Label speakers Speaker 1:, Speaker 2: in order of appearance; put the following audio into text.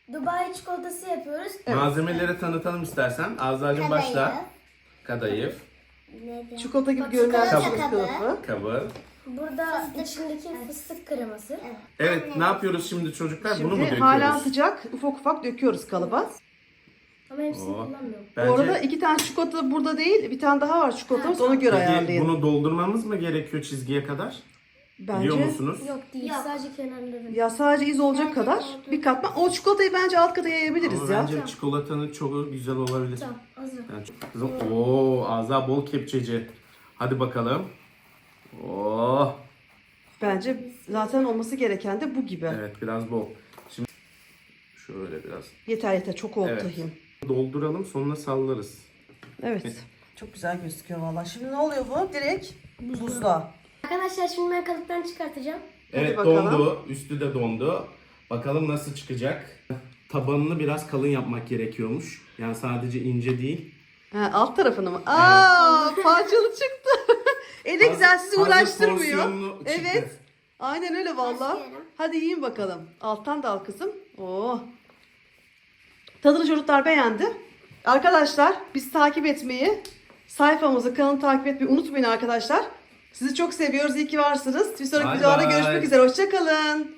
Speaker 1: Dubai çikolatası yapıyoruz.
Speaker 2: Malzemeleri tanıtalım istersen. Azra'cığım başla. Kadayıf.
Speaker 3: Çikolata gibi görünen
Speaker 1: Çikolata
Speaker 3: fıstık kılıfı.
Speaker 2: Kabı.
Speaker 1: Burada içindeki fıstık kreması.
Speaker 2: Evet, ne yapıyoruz şimdi çocuklar? Bunu mu
Speaker 3: Şimdi hala
Speaker 2: döküyoruz?
Speaker 3: sıcak. Ufak ufak döküyoruz kalıba.
Speaker 1: Ama hepsini
Speaker 2: Oo.
Speaker 1: kullanmıyorum.
Speaker 3: Bu arada 2 tane çikolata burada değil. Bir tane daha var çikolatamız. Ona göre
Speaker 2: Peki
Speaker 3: ayarlayın.
Speaker 2: bunu doldurmamız mı gerekiyor çizgiye kadar? Biliyor
Speaker 3: Bence
Speaker 2: musunuz?
Speaker 1: Yok değil. Sadece kenarları.
Speaker 3: ya sadece iz olacak kadar bir katman. O çikolatayı bence alt kata yayabiliriz
Speaker 2: Ama
Speaker 3: ya.
Speaker 2: bence çikolatanın çok güzel olabilir.
Speaker 1: Tamam hazır.
Speaker 2: Yani kızım, Azra bol kepçeci. Hadi bakalım. Oo,
Speaker 3: Bence zaten olması gereken de bu gibi.
Speaker 2: evet biraz bol. Şimdi şöyle biraz.
Speaker 3: Yeter çok oldu
Speaker 2: Evet.
Speaker 3: tahin.
Speaker 2: Dolduralım, sonra sallarız.
Speaker 3: Evet. Çok güzel gözüküyor vallahi. Şimdi ne oluyor bu? Direkt buzluğa.
Speaker 1: Arkadaşlar şimdi ben kalıptan çıkartacağım.
Speaker 2: Evet,
Speaker 3: bakalım.
Speaker 2: dondu. Üstü de dondu. Bakalım nasıl çıkacak. Tabanını biraz kalın yapmak gerekiyormuş. Yani sadece ince değil.
Speaker 3: Ha, alt tarafını mı? Aa, parçalı çıktı. Ne güzel sizi
Speaker 2: Hazır
Speaker 3: uğraştırmıyor.
Speaker 2: porsiyonlu çıktı.
Speaker 3: Evet. Aynen öyle vallahi.
Speaker 1: Başlıyorum.
Speaker 3: Hadi yiyin bakalım. Alttan da al kızım. Oo. Tadını çocuklar beğendi. Arkadaşlar bizi takip etmeyi, sayfamızı, kanalı takip etmeyi unutmayın arkadaşlar. Sizi çok seviyoruz. İyi ki varsınız. Bir sonraki
Speaker 2: Bye
Speaker 3: videoda
Speaker 2: bye.
Speaker 3: görüşmek üzere. Hoşça kalın.